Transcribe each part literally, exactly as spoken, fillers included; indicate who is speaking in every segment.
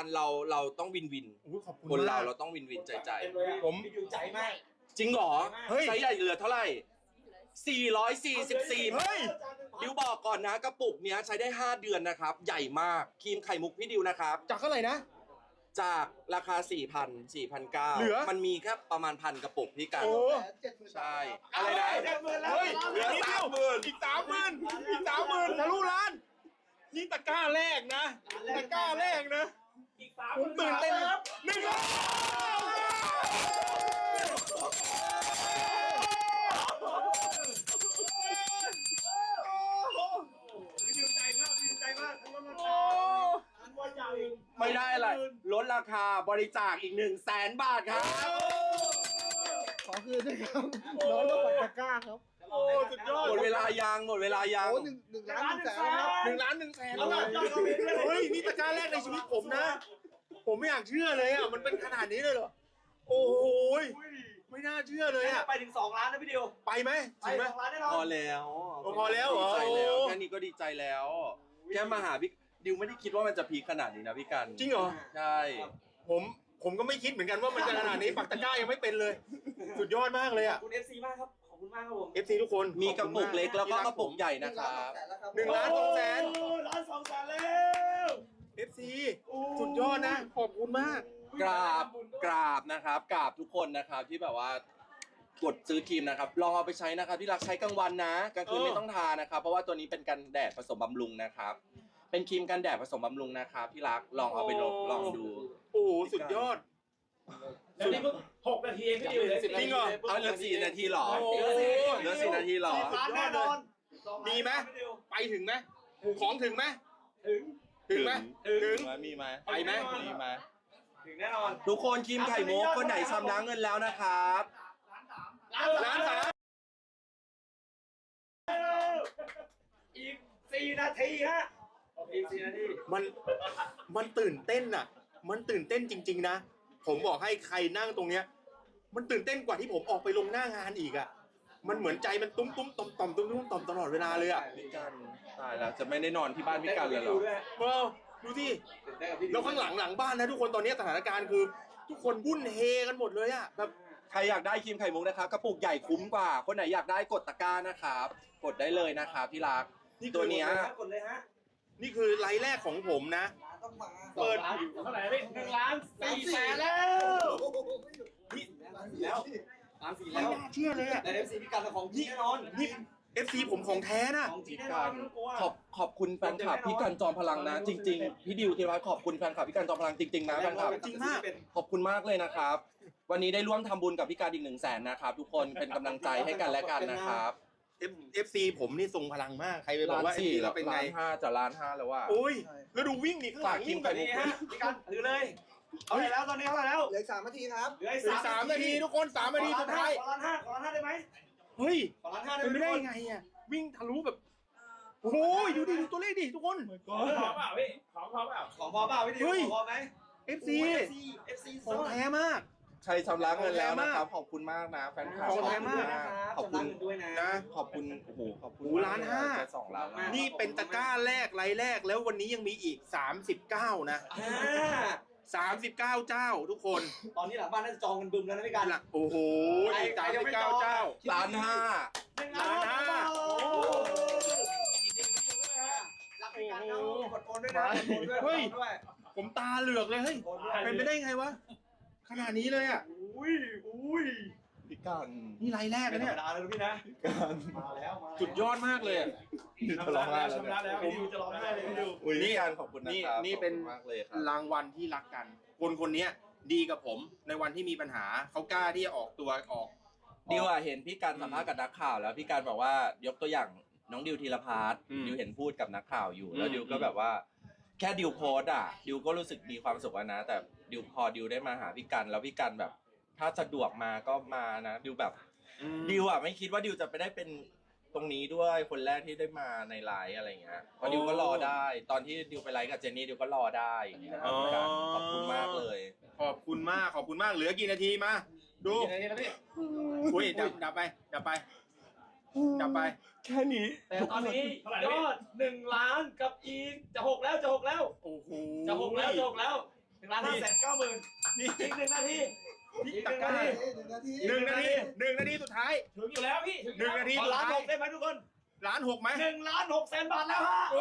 Speaker 1: กันเราเราต้องวินวิน
Speaker 2: ขอบคุณ
Speaker 1: คนเรา
Speaker 2: มาก
Speaker 1: เราต้องวินวินใจใจ
Speaker 2: ผม
Speaker 3: อยู่ใจมาก
Speaker 1: จริงเหรอ
Speaker 2: เฮ้ย
Speaker 1: ไซส์ใหญ่เหลือเท่าไหร่สี่ร้อยสี่สิบสี่
Speaker 2: เฮ้ย
Speaker 1: ดิวบอกก่อนนะกระปุกเนี้ยใช้ได้ห้าเดือนนะครับใหญ่มากครีมไข่มุกพี่ดิวนะครับ
Speaker 2: จากเท่าไหร่นะ
Speaker 1: จากราคา สี่พัน สี่พันเก้าร้อย
Speaker 2: เหลือ
Speaker 1: มันมีแค่ประมาณพันกระปุกพี่กัน
Speaker 2: โอ้
Speaker 1: ใช่อะไรนะ
Speaker 2: เฮ้ย
Speaker 1: เหลือ
Speaker 2: นิด
Speaker 1: สา
Speaker 2: ดียว
Speaker 1: มหมื่น
Speaker 2: อีกสามหมื่นอีกสามหมื่นทะลุล้าน นี่ตะกร้าแรกนะ ตะกร้าแรกนะ
Speaker 3: อีกสาม
Speaker 2: ผมตื่นเต้นหนึ่งล้าน
Speaker 3: ดีใจมากดีใจมากทั้งราคาทั้งวันใหญ่
Speaker 1: ไม่ได้อะไรลดราคาบริจาคอีกหนึ่งแสนบาทครับ
Speaker 4: ขอคืนด้วยครับน้องต้องปัดตะกร้าครับ
Speaker 2: โอ้สุดยอด
Speaker 1: หมดเวลายังหมดเวลายัง
Speaker 4: โอ้หนึ่งหนึ่งล้านหนึ่งแสนครับ
Speaker 2: หนึ่งล้านหนึ่งแสน
Speaker 3: เอาล่ะยอดเราเป็นเลย
Speaker 2: เฮ้ยนี่ตะกร้าแรกในชีวิตผมนะ ผมไม่อยากเชื่อเลยอ่ะมันเป็นขนาดนี้เลยเหรอโอ้โหยไม่น่าเชื่อเลยอ่ะ
Speaker 3: ไปถึงสองล้านนะพี่ดิว
Speaker 2: ไปไหม
Speaker 3: ไป
Speaker 2: จริงไหม
Speaker 3: สองล้านแน่นอน
Speaker 1: พอแล้ว
Speaker 2: โอ้พอแล้วเหรอ
Speaker 1: ดีใจแล้ว
Speaker 2: โอ้
Speaker 1: แค่นี้ก็ดีใจแล้วแค่มาหาพี่ดิวไม่ได้คิดว่ามันจะพีคขนาดนี้นะพี่กัน
Speaker 2: จริงเหรอ
Speaker 1: ใช่
Speaker 2: ผมผมก็ไม่คิดเหมือนกันว่ามันจะขนาดนี้ปักตะกร้ายังไม่เป็นเลย สุดยอดมากเลย
Speaker 3: ข
Speaker 2: อ่ะ
Speaker 3: อบคุณ เอฟ ซี มากครับขอบคุณมากครับผม
Speaker 2: เอฟซีทุกคน
Speaker 1: มีกระปุกเล็กแล้วก็กระปุกใหญ่
Speaker 4: หนึ่
Speaker 1: นะ
Speaker 4: ง
Speaker 1: ค
Speaker 4: ล้าน
Speaker 1: รั
Speaker 4: สอบ งแสนแล้วครับ
Speaker 2: หนึ่งล้านสองแสน
Speaker 3: โอ้ล้านสองแสนแล้ว
Speaker 2: เอฟซีสุดยอดนะขอบคุณมาก
Speaker 1: กราบกราบนะครับกราบทุกคนนะครับที่แบบว่ากดซื้อครีมนะครับลองเอาไปใช้นะครับที่รักใช้กลางวันนะกลางคืน
Speaker 2: เออ
Speaker 1: ไม่ต้องทานะครับเพราะว่าตัวนี้เป็นกันแดดผสมบำรุงนะครับเป็นครีมกันแดดผสมบำรุงนะครับที่รักลองเอาไปลองลองดู
Speaker 2: โอ้โหสุดยอด
Speaker 3: แล้วนี่เพิ่งหกนาทีเองพี่ดิว
Speaker 2: จริงเหรอ
Speaker 1: เอาเหลือสี่นาทีเหรอ
Speaker 2: โอ้โห
Speaker 1: เหลือสี่นาทีเหรอ
Speaker 3: ล้านแน่นอน
Speaker 2: มีไหม
Speaker 3: พี่ดิว
Speaker 2: ไปถึงไหมของถึงไหม
Speaker 3: ถึง
Speaker 2: ถึงไหม
Speaker 3: ถึง
Speaker 2: ถึง
Speaker 1: มีไหม
Speaker 2: ไปไหม
Speaker 1: มีไหม
Speaker 3: ถึงแน่นอน
Speaker 1: ทุกคนครีมไข่มุกคนไหนชำระเงินแล้วนะครับ
Speaker 2: ล้านสาม
Speaker 3: อีกสี่นาทีฮะอีกสี่นาที
Speaker 2: มันมันตื่นเต้นอ่ะ มันตื่นเต้นจริง ๆนะผมบอกให้ใครนั่งตรงเนี้ย มันตื่นเต้นกว่าที่ผมออกไปลงหน้างานอีกอ่ะมันเหมือนใจมันตุ้มตุ้มต่อมต่อมตุ้มตุ้มต่อมตลอดเวลาเลยอ่ะ
Speaker 1: พี่กันตายแล้วจะไม่ได้นอนที่บ้านพี่กันเลยเหรอ
Speaker 2: เออดูสิแล้วข้างหลังหลังบ้านนะทุกคนตอนนี้สถานการณ์คือ ทุกคนวุ่นเฮกันหมดเลยอ่ะแบบ
Speaker 1: ใครอยากได้ครีมไข่มุกนะครับกระปุกใหญ่คุ้มกว่า คนไหนอยากได้กดตะกร้านะครับกดได้เลยนะครับที่รักตัวเนี้ย
Speaker 3: กดเลยฮะ
Speaker 2: นี่คือไลฟ์แรกของผมนะ
Speaker 4: ต้องมา
Speaker 2: เปิด
Speaker 3: เท่าไหร่พี่หนึ่งล้านสี่แสนแล้ว
Speaker 2: นี่
Speaker 3: แล้วล้านสี่
Speaker 2: ไม่
Speaker 3: แล้ว
Speaker 2: น่าเชื่อเลยอ่ะ
Speaker 3: แต่เอฟซีพี่กันของจริงแน่นอน
Speaker 2: นี่ เอฟ ซี ผมของแท้นะ
Speaker 3: ของจริง
Speaker 1: พี่
Speaker 3: แน่นอ
Speaker 1: กัน น
Speaker 3: ไม่ต้องกลัว
Speaker 1: ขอบขอบคุณแฟนคลับพี่กันจอมพลังนะ จริง ๆ พี่ดิวธีรวัฒน์ขอบคุณแฟนคลับพี่กันจอมพลังจริงๆนะแฟนคลับ
Speaker 2: จริงมาก
Speaker 1: ขอบคุณมากเลยนะครับ วันนี้ได้ร่วมทำบุญกับพี่การอีกหนึ่งแสนนะครับทุกคนเป็นกำลังใจให้กันและกันนะครับ
Speaker 2: F เอฟ ซี ผมนี่ทรงพลังมากใครไปบอกว่า เอฟ ซี เราเป็นไง
Speaker 1: ล้านห้าจะล้านห้าแล้วว่า
Speaker 2: โอ้ยแล้วดูวิ่งนี่ข้างหลังวิ่งแบบ
Speaker 3: นี่
Speaker 2: นี้
Speaker 3: ฮะพี่กันถือเลยเอาไหร่แล้วตอนนี้เท่าไหร่แล้ว
Speaker 4: เหลืออีกสามนาทีครับ
Speaker 3: เหลือ
Speaker 2: เหลือสามนาทีทุกคนสามนาทีสุดท้าย
Speaker 3: ขอล้านห้าขอล้านห้าได้ไหม
Speaker 2: เฮ้ย
Speaker 3: ขอล้านห้าได้
Speaker 2: เป็น
Speaker 3: ไหม
Speaker 2: ไม่ได้ยังไงอ่ะวิ่งทะลุแบบโอ้โหดูดิดูตัวเลขดิทุกคน
Speaker 3: ของพอเปล่าพี่ของพอเปล่าของพอเปล่าพี่ดิว
Speaker 2: เฮ้ย
Speaker 3: ของพอไหม
Speaker 2: เอฟ ซี
Speaker 3: เอฟซีเอฟซี
Speaker 2: ของแท้มาก
Speaker 1: ใช้ชำระเงินแล้วนะครับขอบคุณมากนะแฟนคลับ
Speaker 2: ของแท้มาก
Speaker 1: ขอบคุณ
Speaker 3: ด้วยนะ
Speaker 2: นะ
Speaker 1: ขอบคุณโอ้โหขอบคุณ
Speaker 2: โอ้โหล้านห้า
Speaker 1: จะสองล้านแล้ว
Speaker 2: นี่เป็นตะกร้าแรกไลน์แรกแล้ววันนี้ยังมีอีกสามสิบเก้านะ
Speaker 3: อ่า
Speaker 2: สามสิบเก้าเจ้าทุกคน
Speaker 3: ตอนนี้หลังบ้านน่าจะจองกันบึมแล้วนะพี่กัน
Speaker 2: หลักโอ้โหอีกสามสิบเก้าเจ้า
Speaker 1: ล้านห้า
Speaker 2: ล้านห้า
Speaker 3: รักพี่กันครับกดโอนด้วยนะกดโอนด้วย
Speaker 2: เฮ้ย
Speaker 3: กดโอนด้วย
Speaker 2: ผมตาเหลือกเลยเฮ้ย
Speaker 3: กดด้วย
Speaker 2: เป็นไปได้ไงวะขนาดนี้เลยอ่ะ
Speaker 3: อุ้ยอุ้ย
Speaker 1: พี่กัน
Speaker 2: นี่ไลน์แรก
Speaker 3: ไม่
Speaker 2: นะ
Speaker 3: ธร
Speaker 2: เนี่
Speaker 3: ร
Speaker 2: ย
Speaker 3: มดาเลยพี่นะ
Speaker 1: กัน
Speaker 3: มาแล้วมาแล้ว
Speaker 2: สุดยอดมากเลยอะ
Speaker 1: จะร้องไห้แล้ว
Speaker 3: ชำระแล้วพี่ดิวจะร้องไห้เลยพี่ดิว
Speaker 1: อุ้ยพี่กันขอบคุณนะ
Speaker 2: นี่
Speaker 1: ครับ
Speaker 2: นี่เป็น
Speaker 1: ขอบคุณมากเลยครับ
Speaker 2: รางวัลที่รักกัน คนคนนี้ดีกับผมในวันที่มีปัญหาเขากล้าที่จะออกตัวออก
Speaker 1: ดิวอะเห็นพี่การสัมภาษณ์กับนักข่าวแล้วพี่การบอกว่ายกตัวอย่างน้องดิวธีรพัฒน์
Speaker 2: อืม
Speaker 1: ดิวเห็นพูดกับนักข่าวอยู่แล้ว
Speaker 2: อืม
Speaker 1: ดิวก็แบบว่า แค่ดิวโพสต์อ่ะดิวก็รู้สึกมีความสุขแล้วนะ แต่ดิวพอดิวได้มาหาพี่กันแล้วพี่กันแบบ ถ้าสะดวกมาก็มานะดิวแบบ ดิวอ่ะไม่คิดว่าดิวจะไปได้เป็นตรงนี้ด้วยคนแรกที่ได้มาในไลฟ์อะไรเงี้ยเพราะดิวก็รอได้ ตอนที่ดิวไปไลฟ์กับเจนนี่ดิวก็รอได้อย่างเงี้ยครับพี่กันขอบคุณมากเลย
Speaker 2: ขอบคุณมากขอบคุณมากเหลือกี่นาทีมาดู
Speaker 3: กี่นาทีแล้วพี่
Speaker 2: อุ้ยดับดับไปดับไปดับไป
Speaker 1: แค่นี้
Speaker 3: แต่ตอนนี้ยอดหนึ่งล้านกับอีกจะหกแล้วจะหกแล้ว
Speaker 2: โอ้โห
Speaker 3: จะหกแล้วจะหกแล้วนึ่งล้านห้าแสนเก้าหมื่น
Speaker 2: นี่
Speaker 3: อีกหนึ่งนาที
Speaker 2: ที่
Speaker 3: อีกห
Speaker 2: ตะ
Speaker 3: นึ่ง
Speaker 2: กร้า
Speaker 3: นาที
Speaker 4: หนึ่งนาที
Speaker 2: หนึ่งนาทีหนึ่งนาทีสุดท้าย
Speaker 3: ถึงอยู่แล้วพี่
Speaker 2: หนึ่งนาที
Speaker 3: ขอล้านหกได้ไหมทุกคน
Speaker 2: ล้านหกไหม
Speaker 3: หนึ่งล้านหกแสนบาทแล้วฮะ
Speaker 2: โอ้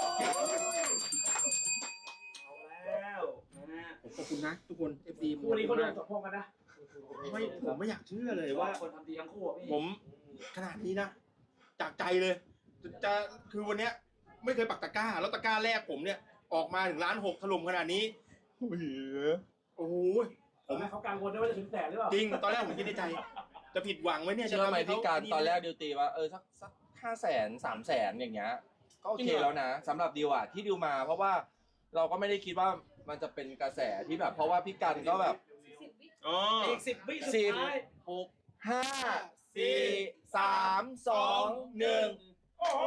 Speaker 3: เอาแล้วนะฮะ
Speaker 2: ผมขอบคุณนะทุกคน เอฟ ซี
Speaker 3: คู่นี้เขาโดนสมพงษ์กันนะ
Speaker 2: ไม่ผมไม่อยากเชื่อเลย
Speaker 3: ว่า
Speaker 2: ว่า
Speaker 3: คนทำดีทั้งคู่อะพี่
Speaker 2: ผมขนาดนี้นะ จากใจเลย จะจะคือวันเนี้ยไม่เคยปักตะกร้า แล้วตะกร้าแรกผมเนี่ย ออกมาถึงล้านหกถล่มขนาดนี้ โอ้โหโอ้โห
Speaker 3: ผมให้เขากังวลด้วยว่าจะถึงแสนหรือเปล่า
Speaker 2: จริง ตอนแรกผมคิดในใจ จะผิดหวังไหมเนี่ยจะ
Speaker 1: เชื่อไหม
Speaker 2: ทำให้เขา
Speaker 1: พี่การ
Speaker 2: อั
Speaker 1: ตอนแรกดิวตีว่าเออสักสักห้าแสนสามแสนอย่างเงี้ยก็โอ
Speaker 2: จริ
Speaker 1: เค
Speaker 2: งเหรอ
Speaker 1: แล้วนะสำหรับดิวอ่ะที่ดิวมา เพราะว่าเราก็ไม่ได้คิดว่ามันจะเป็นกระแสที่แบบ เพราะว่าพี่กันก็แบบ
Speaker 2: อ๋อ
Speaker 3: อีกสิบวิสุด
Speaker 1: สิบ
Speaker 3: ท้าย
Speaker 1: หกห้าสี่สามสองหนึ่ง
Speaker 3: โอ้โห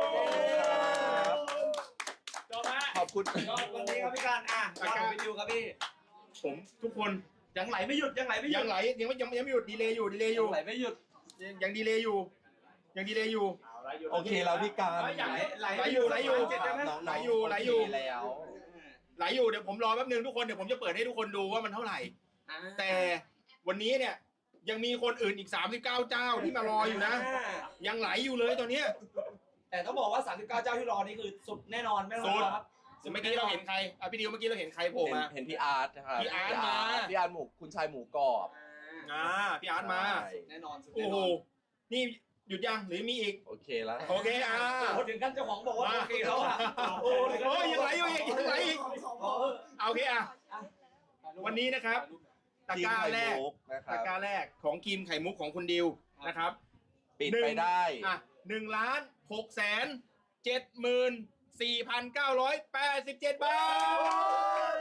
Speaker 3: จบฮะ
Speaker 1: ขอบคุณ
Speaker 3: ยอดวันนี้ครับพี่การอ่ะยอดของพี่ดิวครับพี่
Speaker 2: ผมทุกคน
Speaker 3: ยังไหลไม่หยุดยังไหลไม่หยุ
Speaker 2: ยั
Speaker 3: ด
Speaker 2: งไหลยังไม่ยังยังไม่หยุดดีเลยอยู่ดีเลยอยู่
Speaker 3: ไหลไม่หยุด
Speaker 2: ยังยังดีเลยอยู่ ยังดีเลยอยู่
Speaker 3: เอาละหยุด
Speaker 1: โอเคแล้วพี่การ
Speaker 3: ไหลไหล
Speaker 2: ไหลอยู่ไหลอยู่
Speaker 3: เจ็ดได้ไหม
Speaker 1: น้องๆ
Speaker 2: ไหลอยู่ไหลอยู่
Speaker 1: โเคแล้ว
Speaker 2: ไหลอยู่เดี๋ยวผมรอแป๊บนึงทุกคนเดี๋ยวผมจะเปิดให้ทุกคนดูว่ามันเท่าไหร่
Speaker 3: อ่า
Speaker 2: แต่วันนี้เนี่ยยังมีคนอื่นอีกสามสิบเก้าเจ้าที่มารออยู่นะ ยังไหลอยู่เลยตอนเนี้ย
Speaker 3: แต่ต้องบอกว่าสามสิบเก้าเจ้าที่รอนี่คือสุดแน่นอนไม่ต้อง
Speaker 2: สุด
Speaker 3: รอครับ
Speaker 2: เมื่อกี้เราเห็นใครอ่ะพี่ดิวเมื่อกี้เราเห็นใครโผล่
Speaker 1: เห็น
Speaker 2: มา
Speaker 1: เห็นพี่อาร์ตนะครับ
Speaker 2: พี่อาร์ตมา
Speaker 1: พี่อาร์ตหมูคุณชายหมูกรอบ
Speaker 2: อ่าพี่อาร์ตมา
Speaker 1: ใช่
Speaker 3: แน่นอนสุด
Speaker 2: โอ้
Speaker 3: แน่น
Speaker 2: โห
Speaker 3: อน
Speaker 2: นี่หยุดยังหรือมีอีก
Speaker 1: โอเคแล้ว
Speaker 2: โอเคอ่า
Speaker 3: โอ้ถึงขั้นเจ้าของบอกว่า
Speaker 2: มา
Speaker 3: โอเคแล้วอ่ะ
Speaker 2: โอ้โหยังไหลอยู่อีกยังไหลอีก
Speaker 3: เออ
Speaker 2: เอาโอเคอ่ะ วันนี้นะครับ ตะกร้าแรก
Speaker 1: ทีมไข่มุนะค
Speaker 2: ตะ
Speaker 1: รับ
Speaker 2: กร้าแรกของครีมไข่มุกของคุณดิวนะครับ
Speaker 1: ปิดไปได้
Speaker 2: อ่ะหนึ่งล้านหกแสนเจ็ดหมื่นสี่พันเก้าร้อยแปดสิบเจ็ดบาท